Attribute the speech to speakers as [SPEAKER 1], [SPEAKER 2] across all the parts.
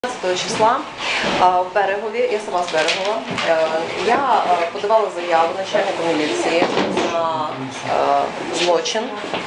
[SPEAKER 1] 15 числа в Берегові, я сама з Берегова, я подавала заяву начальнику міліції на злочин.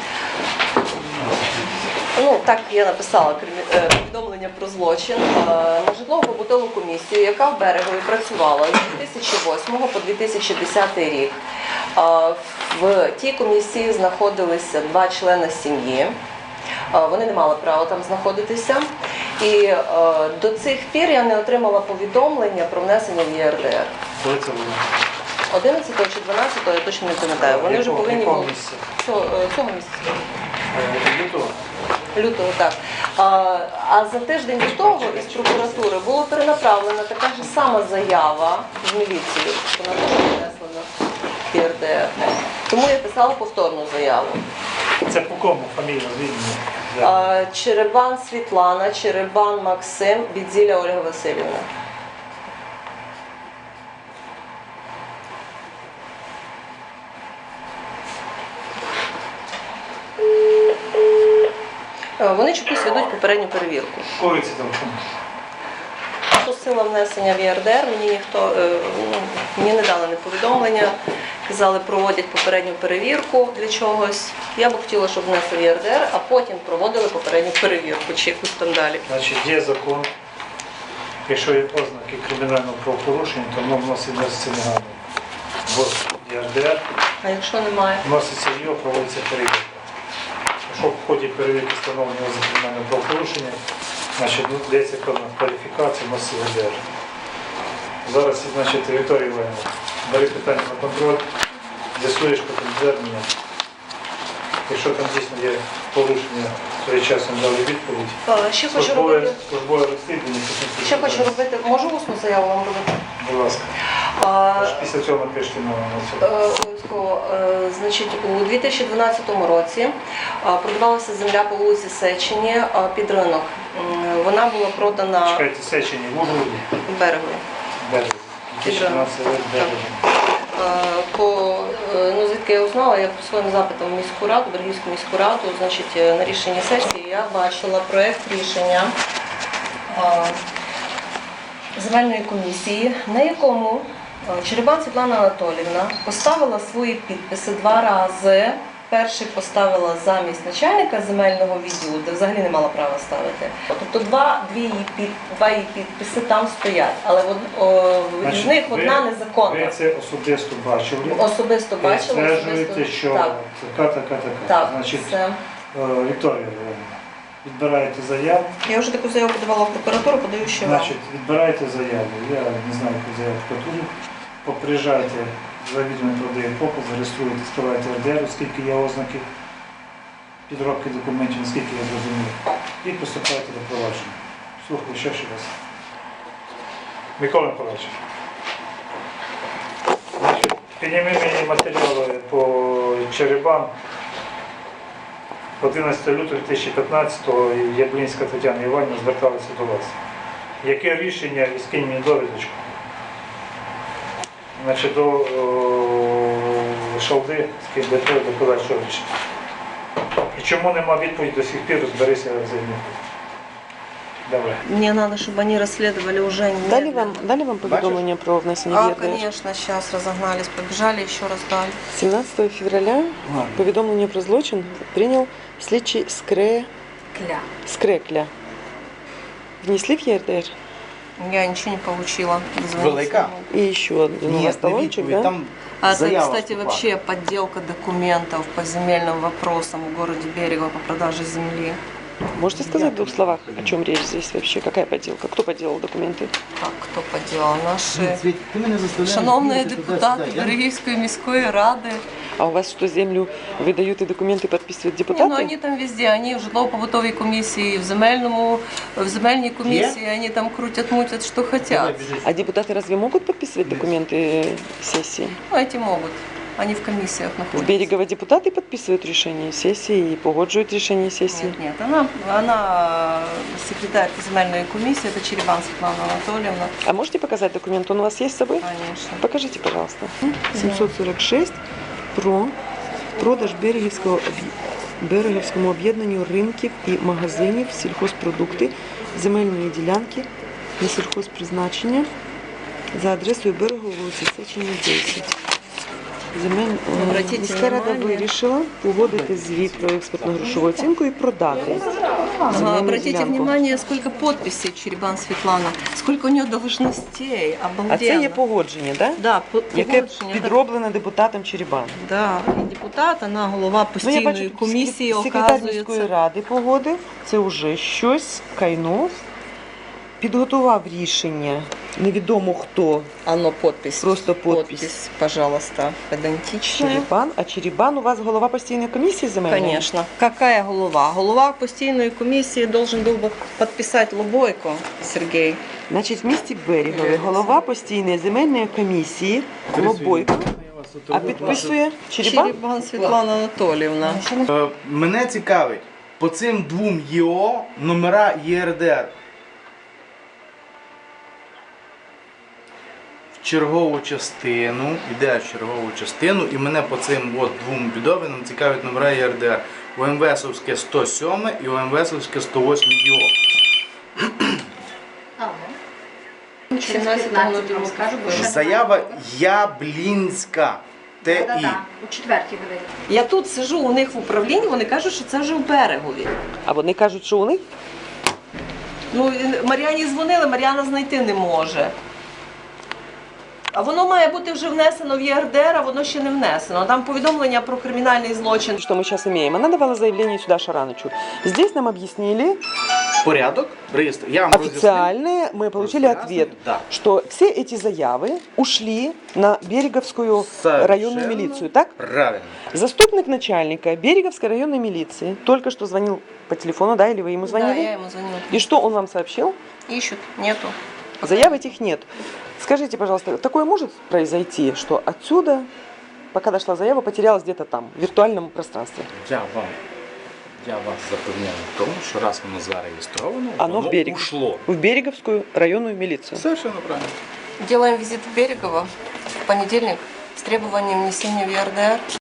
[SPEAKER 1] Ну, так я написала повідомлення про злочин на житлово-побутову комісію, яка в Берегові працювала з 2008 по 2010 рік. В тій комісії знаходилися 2 члени сім'ї. Вони не мали права там знаходитися. І до цих пір я не отримала повідомлення про внесення в ЄРДР.
[SPEAKER 2] Коли це було?
[SPEAKER 1] 11 чи 12, я точно не пам'ятаю. Вони вже повинні були цього місяця.
[SPEAKER 2] Лютого?
[SPEAKER 1] Лютого, так. А за тиждень до того із прокуратури було перенаправлена така ж сама заява в міліцію. Вона теж внесена в ЄРДР. Тому я писала повторну заяву.
[SPEAKER 2] Це по кому фамілія, звідки?
[SPEAKER 1] Черебан Світлана, Черебан Максим, Бідзіля Ольга Васильівна. Вони чомусь ведуть попередню перевірку.
[SPEAKER 2] Коли це телефон?
[SPEAKER 1] Просила внесення в ЄРДР, мені не дали ні повідомлення, казали, проводять попередню перевірку для чогось. Я б хотіла, щоб внесли в ЄРДР, а потім проводили попередню перевірку чи якусь там далі.
[SPEAKER 2] Значить, є закон, якщо є ознаки кримінального правопорушення, то воно вноситься негайно в ЄРДР,
[SPEAKER 1] А якщо немає?
[SPEAKER 2] вноситься в його, проводиться перевірка. Якщо в ході перевірки встановлено ознаки кримінального правопорушення, значить, дається певна кваліфікація, вноситься в ЄРДР. Зараз, значить, Вікторія Іванівна, бери питання на контроль, з'ясуєш потім звернення. Якщо там дійсно є порушення, своєчасно дали відповідь.
[SPEAKER 1] Ще хочу робити.
[SPEAKER 2] Службове розслідування.
[SPEAKER 1] Ще хочу робити. Можу усну заяву вам робити?
[SPEAKER 2] Будь ласка. Після цього напишіть на цьому.
[SPEAKER 1] Обов'язково. Значить, у 2012 році продавалася земля по вулиці Сечені під ринок. Вона була продана.
[SPEAKER 2] Чекайте, Сечені, в Ужгороді?
[SPEAKER 1] В Берегові.
[SPEAKER 2] Берегові. 2012 рік Берегові.
[SPEAKER 1] Звідки я узнала, я по своїм запитам в міську раду, Берегівську міську раду, значить, на рішенні сесії я бачила проєкт рішення земельної комісії, на якому Черебан Світлана Анатоліївна поставила свої підписи 2 рази. Перший поставила замість начальника земельного відділу, де взагалі не мала права ставити. Тобто два її підписи там стоять, але з них одна незаконна.
[SPEAKER 2] Ви це особисто бачили?
[SPEAKER 1] Особисто бачила.
[SPEAKER 2] Ви стверджуєте, що така.
[SPEAKER 1] Так,
[SPEAKER 2] Значить,
[SPEAKER 1] це.
[SPEAKER 2] Вікторія, відбираєте заяву.
[SPEAKER 1] Я вже таку заяву подавала в прокуратуру, подаю ще вам.
[SPEAKER 2] Значить, відбираєте заяву. Я не знаю, яку заяву прокуратурі. Поприїжджайте, завідомо продає показ, зареєструєте, скриваєте РДР, оскільки є ознаки підробки документів, наскільки я зрозумів, і поступаєте до провадження. Слухаю, ще раз. Микола Миколаївич, підніми мені матеріали по Черебан 11 лютого 2015-го Яблінська Тетяна Іванівна зверталася до вас. Яке рішення і скинь мені довідочку? Значить, до Шалди, з ким до подальшого рішення. І чому нема відповіді до сих пір, розберися взаємно. Давай.
[SPEAKER 1] Мне надо, чтобы они расследовали уже не.
[SPEAKER 3] Дали вам поведомление про внесение в ЕРДР?
[SPEAKER 1] Конечно, сейчас разогнались, побежали, еще раз дали.
[SPEAKER 3] 17 февраля поведомление про злочин принял слідчий Скрекля. Внесли в ЕРДР?
[SPEAKER 1] Я ничего не получила.
[SPEAKER 4] Велика?
[SPEAKER 3] И еще один у вас талончик, да?
[SPEAKER 4] Там
[SPEAKER 1] это, кстати, вообще подделка документов по земельным вопросам в городе Берегово по продаже земли.
[SPEAKER 3] Можете сказать в 2 словах, о чем речь здесь вообще? Какая подделка? Кто подделал документы?
[SPEAKER 1] Так, кто подделал? Наши
[SPEAKER 4] Світ, ти мене заставляєш
[SPEAKER 1] шановные
[SPEAKER 4] бігати
[SPEAKER 1] депутаты
[SPEAKER 4] туди-сюди.
[SPEAKER 1] Берегівської міської ради.
[SPEAKER 3] А у вас что, землю выдают и документы подписывают
[SPEAKER 1] Не,
[SPEAKER 3] депутаты?
[SPEAKER 1] ну они там везде, они в житлово-побутовій комісії, в земельній комісії, они там крутят, мутят, что
[SPEAKER 4] Давай,
[SPEAKER 1] хотят.
[SPEAKER 4] біжи.
[SPEAKER 3] А депутаты разве могут подписывать документы сессии?
[SPEAKER 1] Ну, эти могут. Они в комиссиях
[SPEAKER 3] В
[SPEAKER 1] находятся.
[SPEAKER 3] Берегово депутаты подписывают решение сессии и погоджуют решение сессии?
[SPEAKER 1] Нет, она секретарь земельной комиссии, это Черебан Светлана Анатольевна.
[SPEAKER 3] А можете показать документ? Он у вас есть с собой?
[SPEAKER 1] Конечно.
[SPEAKER 3] Покажите, пожалуйста. 746 про продаж Берегівському об'єднанню ринків і магазинів сільхозпродукти земельної ділянки на сільхозпризначення за адресою Берегової вулиці Сечення, 10.
[SPEAKER 1] Обратіть
[SPEAKER 3] Міська рада
[SPEAKER 1] внимание.
[SPEAKER 3] вирішила погодити звіт про експертно-грошову оцінку і продати. земельну
[SPEAKER 1] Обратите
[SPEAKER 3] ділянку.
[SPEAKER 1] внимание, сколько подписей Черебан Светлана, сколько у нее должностей, обалденно.
[SPEAKER 3] А це є погодження, так?
[SPEAKER 1] Да,
[SPEAKER 3] Яке
[SPEAKER 1] погодження.
[SPEAKER 3] підроблене депутатом Черебан.
[SPEAKER 1] Да, і депутат, вона голова
[SPEAKER 3] Ну, я
[SPEAKER 1] постійної
[SPEAKER 3] бачу,
[SPEAKER 1] комісії,
[SPEAKER 3] секретар міської
[SPEAKER 1] оказується.
[SPEAKER 3] ради погодив, це вже щось, Кайнов, підготував рішення, невідомо хто,
[SPEAKER 1] Оно подпись.
[SPEAKER 3] Просто подпись.
[SPEAKER 1] Пожалуйста, педантичная.
[SPEAKER 3] Черебан. А Черебан у вас голова постійної комісії земельної?
[SPEAKER 1] Конечно. Какая голова? Голова постійної комісії должен був би підписати Лобойко Сергій.
[SPEAKER 3] Значить, в місті Берегові голова постійної земельної комісії Лобойко, а підписує Черебан?
[SPEAKER 1] Черебан Світлана Анатоліївна.
[SPEAKER 4] Мене цікавить по цим двом ЄО номера ЄРДР. В чергову частину, йде в чергову частину, і мене по цим от двом відоминам цікавить номера ЄРДР. УМВСовське 107 і УМВСовське 108 ЄО.
[SPEAKER 1] 17
[SPEAKER 5] скажу, бо
[SPEAKER 4] Заява Яблінська. ТІ.
[SPEAKER 5] У четвертій видають.
[SPEAKER 1] Я тут сижу у них в управлінні, вони кажуть, що це вже в Берегові.
[SPEAKER 3] А вони кажуть, що у них?
[SPEAKER 1] Ну, Мар'яні дзвонили, Мар'яна знайти не може. А воно має бути вже внесено в ЄРДР, а воно ще не внесено. Там повідомлення про кримінальний злочин.
[SPEAKER 3] Что мы сейчас имеем? Она давала заявление сюда Шаранычу. Здесь нам объяснили,
[SPEAKER 4] Порядок, реєстр. Я вам роз'яснив.
[SPEAKER 3] официальные, мы получили ответ,
[SPEAKER 4] Да.
[SPEAKER 3] что все эти заявы ушли на Береговскую районную милицию, так?
[SPEAKER 4] Правильно.
[SPEAKER 3] Заступник начальника Береговской районной милиции только что звонил по телефону, да, или вы ему
[SPEAKER 1] Да,
[SPEAKER 3] звонили?
[SPEAKER 1] я ему звонила.
[SPEAKER 3] И что он вам сообщил?
[SPEAKER 1] Ищут, нету.
[SPEAKER 3] Заяв этих нет. Скажите, пожалуйста, такое может произойти, что отсюда, пока дошла заява, потерялась где-то там, в виртуальном пространстве?
[SPEAKER 4] Я вас запевняю в тому, що раз воно зареєстровано,
[SPEAKER 3] Оно в Берег.
[SPEAKER 4] ушло.
[SPEAKER 3] В Береговскую районную милицию.
[SPEAKER 4] Совершенно правильно.
[SPEAKER 1] Делаем визит в Берегово в понедельник с требованием внесения в ЕРДР.